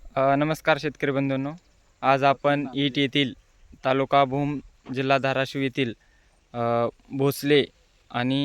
नमस्कार शेतकरी बंधूंनो. आज आपण ईट येथील तालुका भूम जिल्हा धाराशिव येथील भोसले आणि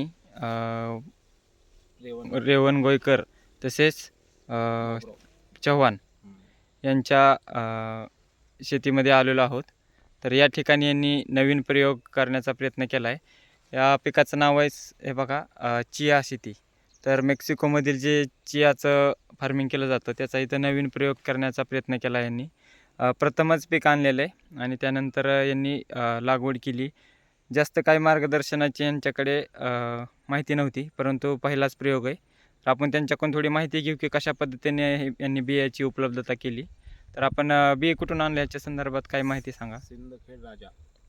रेवण गोयकर तसेच चव्हाण यांच्या शेतीमध्ये आलेलो आहोत. तर या ठिकाणी यांनी नवीन प्रयोग करण्याचा प्रयत्न केला आहे. या पिकाचं नाव आहे हे बघा, चिया शेती. तर मेक्सिकोमधील जे चियाचं फार्मिंग केलं जातं त्याचा इथं नवीन प्रयोग करण्याचा प्रयत्न केला यांनी. प्रथमच पीक आणलेलं आहे आणि त्यानंतर यांनी लागवड केली. जास्त काही मार्गदर्शनाची यांच्याकडे माहिती नव्हती, परंतु पहिलाच प्रयोग आहे. तर आपण त्यांच्याकडून थोडी माहिती घेऊ की कशा पद्धतीने यांनी बियाची उपलब्धता केली. तर आपण बिये कुठून आणले याच्या संदर्भात काही माहिती सांगा. सिंदखेड राजा.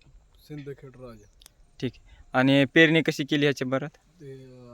ठीक आहे. आणि पेरणी कशी केली ह्याच्या बरं? ते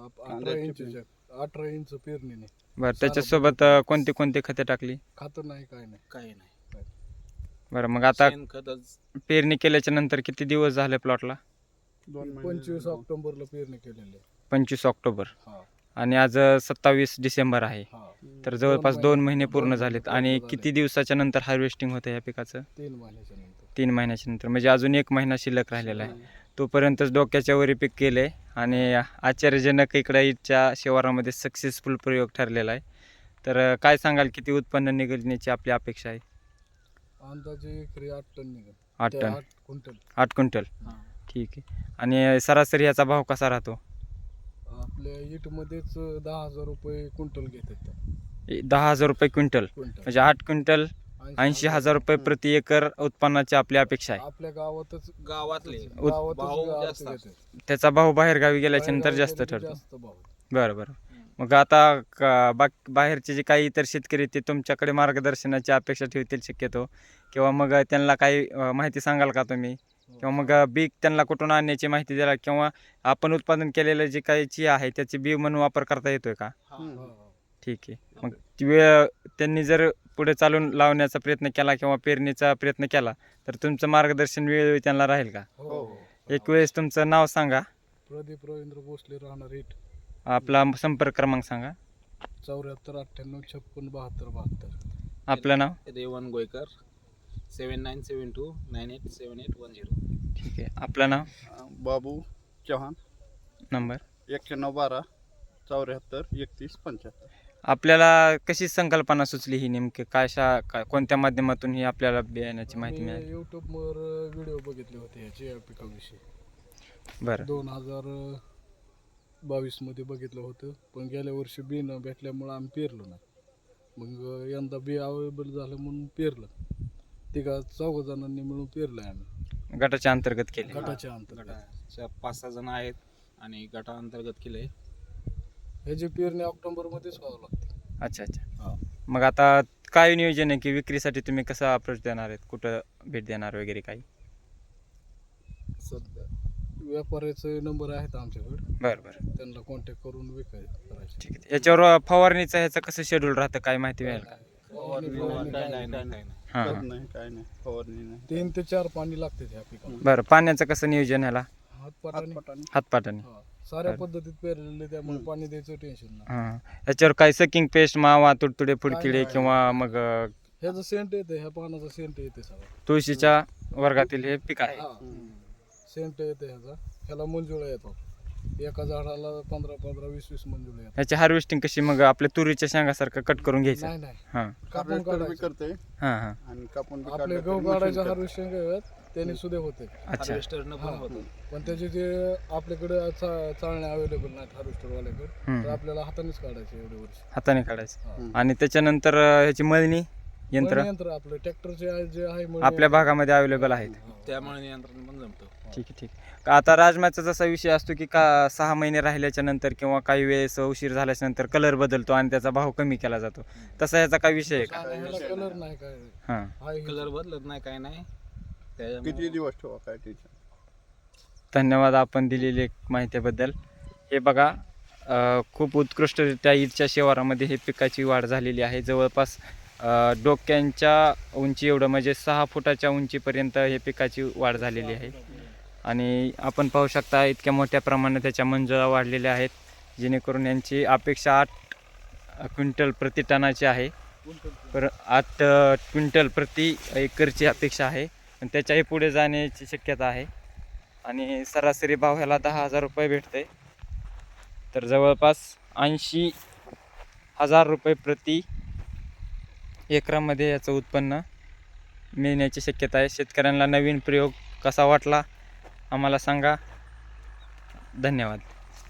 18 इंच पेरणीने. बरं, त्याच्यासोबत कोणते कोणते खते टाकली? खातं नाही, काय नाही. बरं, मग आता शेणखतच. पेरणी केल्याच्या नंतर किती दिवस झाले प्लॉटला? 25 ऑक्टोबरला पेरणी केलेली. 25 ऑक्टोबर हा आणि आज 27 डिसेंबर आहे. हा. तर जवळपास 2 महिने पूर्ण 2 झालेत. महिने आणि पूर्ण किती दिवसाच्या नंतर हार्वेस्टिंग होतं या पिकाचं? 3 महिन्याच्या नंतर. 3 महिन्याच्या नंतर, म्हणजे अजून 1 महिना शिल्लक राहिलेला आहे. तोपर्यंतच डोक्याच्या वरी पीक केलं आहे आणि आश्चर्यजनक इकडे ईटच्या शिवारामध्ये सक्सेसफुल प्रयोग ठरलेला आहे. तर काय सांगाल, किती उत्पन्न निघण्याची आपली अपेक्षा आहे? अंदाजे एकरी 8 टन निघेल. 8 टन, 8 क्विंटल. 8 क्विंटल. हा. ठीक आहे. आणि सरासरी याचा भाव कसा राहतो? आपल्या ईटमध्येच 10,000 रुपये क्विंटल घेतात. 10,000 रुपये क्विंटल, क्विंटल म्हणजे 8 क्विंटल 80,000 रुपये प्रति एकर उत्पन्नाची आपली अपेक्षा आहे. आपल्या गावातच भाव जास्त घेतात. त्याचा भाव बाहेर गावी गेल्याच्या नंतर जास्त ठरतो. जास्त भाव. बरं बरं. मग आता बाहेरचे जे काही इतर शेतकरी ते तुमच्याकडे मार्गदर्शनाची अपेक्षा ठेवतील शक्यतो, किंवा मग त्यांना काही माहिती सांगाल का तुम्ही, किंवा मग बी त्यांना कुठून आणण्याची माहिती द्याल, किंवा आपण उत्पादन केलेलं जे काही चिया आहे त्याची बी म्हणून वापर करता येतोय का? ठीक आहे. मग ती वेळ त्यांनी जर पुढे चालून लावण्याचा प्रयत्न केला किंवा पेरणीचा प्रयत्न केला तर तुमचं मार्गदर्शन वेळोवेळी त्यांना राहील का? हो. एक वेळेस तुमचं नाव सांगा, प्रदीप रवींद्र भोसले, राहणार ईट. आपला संपर्क क्रमांक सांगा. 74 98 56 72 72. आपलं नाव? रेवण गोयकर, 7972987810. ठीक आहे. आपलं नाव? बाबू चव्हाण, नंबर? 9112 74 31 75. आपल्याला कशी संकल्पना सुचली ही नेमकी? कोणत्या माध्यमातून ही आपल्याला बियाण्याची माहिती मिळाली? यूट्यूबवर व्हिडिओ बघितले होते याचे या पिकाविषयी. बरं 2022 मध्ये बघितलं होतं, पण गेल्या वर्षी बी न भेटल्यामुळं आम्ही पेरलो नाही. मग यंदा बी अवेलेबल झालं म्हणून पेरलं. 3-4 जणांनी मिळून पेरलं आम्ही. गटाच्या अंतर्गत केले. गटाच्या अंतर्गत. गटाच्या 5-6 जण आहेत आणि गटाअंतर्गत केलंय. ह्याची पेरणी ऑक्टोबरमध्येच व्हावं लागते. अच्छा अच्छा. हा. मग आता काय नियोजन आहे की विक्रीसाठी तुम्ही कसं अप्रोच देणार आहेत, कुठं भेट देणार वगैरे काही? सध्या व्यापाऱ्याचे नंबर आहेत आमच्याकडे, बरं बरं. त्यांना कॉन्टॅक्ट करून करायचे. ठीक आहे. याच्यावर फवारणीचं ह्याचं कसं शेड्यूल राहतं, काय माहिती मिळेल का? काय नाही. हां खत हां. नाही, काय नाही, फवारणी नाही. 3 ते 4 पाणी लागते ह्या पिकाला. बरं, पाण्याचं कसं नियोजन ह्याला? हातपाटाने. हातपाटाने? साऱ्या पद्धतीत पेरलेले, त्यामुळे पाणी द्यायचं टेन्शन नाही. हां. याच्यावर काही सकिंग पेस्ट, मावा, तुडतुडे, फुडकिडे नाही. किंवा मग ह्याचं सेंट येते, ह्या पानाचा सेंट येते सगळं. तुळशीच्या वर्गातील हे पीक आहे? सेंट येते ह्याचा. ह्याला मंजुळा येतो. एका झाडाला 15-20 मंजुळा येतात. ह्याची हार्वेस्टिंग कशी? मग आपल्या तुरीच्या शेंगासारखं कट करून घ्यायचं? नाही नाही, हां कापून Harvester बी काढायचं. करते हां हां. आणि कापून बी आपले काढलं गहू तरी काढायचे machine हार्वेस्टिंग आहेत, त्याने सुद्धा होते. अच्छा. हार्वेस्टरनं पण होतं. पण त्याचे जे आपल्याकडे चालणे अवेलेबल नाहीत हार्वेस्टरवाल्याकडे, हम्म. तर आपल्याला हातानेच काढायचे एवढे वर्ष. हाताने काढायचं. हा. आणि त्याच्यानंतर ह्याची मळणी यंत्र मळणी यंत्र आपलं ट्रॅक्टरचे जे आहे मळणी आपल्या यंत्र. भागामध्ये अवेलेबल आहेत? हा. त्यामुळे नियंत्रण पण जमतं. ठीक आहे ठीक आहे. आता राजमाचा जसा विषय असतो की 6 महिने राहिल्याच्या नंतर किंवा काही वेळेस उशीर झाल्याच्या नंतर कलर बदलतो आणि त्याचा भाव कमी केला जातो, तसा याचा काय विषय आहे का? ह्याला कलर नाही काय. हां. हा हे- कलर बदलत नाही, काय नाही. त्याच्यामुळे किती दिवस ठेवा, काय टेन्शन. धन्यवाद आपण दिलेली माहितीबद्दल. हे बघा, खूप उत्कृष्टरित्या ईटच्या शिवारामध्ये हे पिकाची वाढ झालेली आहे. जवळपास डोक्यांच्या उंची एवढं, म्हणजे 6 फुटाच्या उंचीपर्यंत हे पिकाची वाढ झालेली आहे. आणि आपण पाहू शकता इतक्या मोठ्या प्रमाणात त्याच्या मंजुळा वाढलेल्या आहेत, जेणेकरून यांची अपेक्षा 8 क्विंटल प्रति टनाची आहे. 8 क्विंटल प्रति एकरची अपेक्षा आहे, पण त्याच्याही पुढे जाण्याची शक्यता आहे. आणि सरासरी भाव ह्याला 10,000 रुपये भेटते. तर जवळपास 80,000 रुपये प्रति एकरामध्ये याचं उत्पन्न मिळण्याची शक्यता आहे. शेतकऱ्यांना नवीन प्रयोग कसा वाटला आम्हाला सांगा. धन्यवाद.